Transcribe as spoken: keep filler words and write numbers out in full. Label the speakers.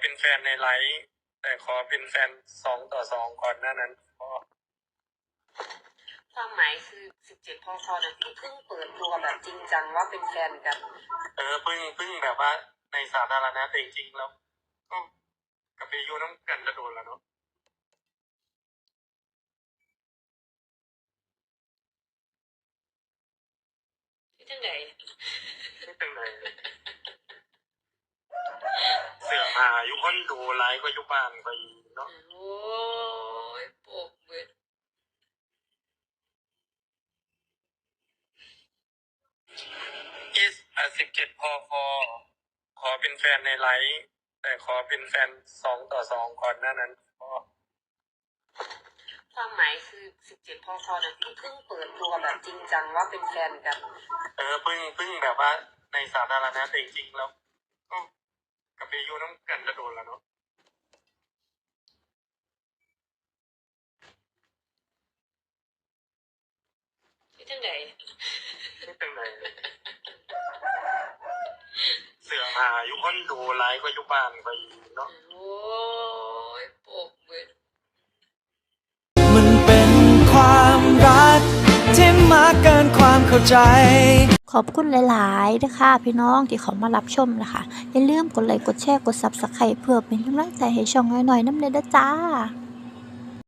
Speaker 1: เป็นแฟนในไลฟ์แต่ขอเป็นแฟนสองต่อสองก่อนหน้านั้นพอ
Speaker 2: ความหมายคือสิบเจ็ดพคเนี่ยที่เพิ่งเปิดตัวแบบจริงจังว่าเป็นแฟนกัน
Speaker 1: เออเพิ่งเพิ่งแบบว่าในสาธารณะแต่จริงๆแล้วก็กับไปอยู่น้ำกันจะโดนแล้วเนาะ
Speaker 2: ที่จังไหน
Speaker 1: ที่จังไหนเสือหาอยู่คนดูไลฟ์ก็อยู่บ้านไปเนาะ
Speaker 2: โอ้ยโปกเบิด
Speaker 1: อีสอ่ะสิบเจ็ดพอพอขอเป็นแฟนในไลฟ์แต่ขอเป็นแฟนสองต่อสองก่อนหน้านั้นพอ
Speaker 2: ความหมายคือสิบเจ็ดพคเนี่ยที่เพิ่งเปิดตัวแบบจริงจังว่าเป็นแฟนกัน
Speaker 1: เออเพิ่งเพิ่งแบบว่าในสาธารณะแต่จริงๆแล้วก็กับไปอยู่น้ำกันจะโดนแล้วเนาะ
Speaker 2: ที่จังไหน
Speaker 1: ที่จังไหนเสือหาอยู่คนดูไลฟ์ก็อยู่บ้านไปเนาะ
Speaker 2: โอ้ยโปกเบิด
Speaker 3: มันเป็นความรักที่มากเกินความเข้าใจ
Speaker 4: ขอบคุณหลายๆนะคะพี่น้องที่เขามารับชมนะคะอย่าลืมกดไลค์กดแชร์กดซับสไครป์เพื่อเป็นกำลังใจให้ช่องน้อยๆน้ำเด้อจ้า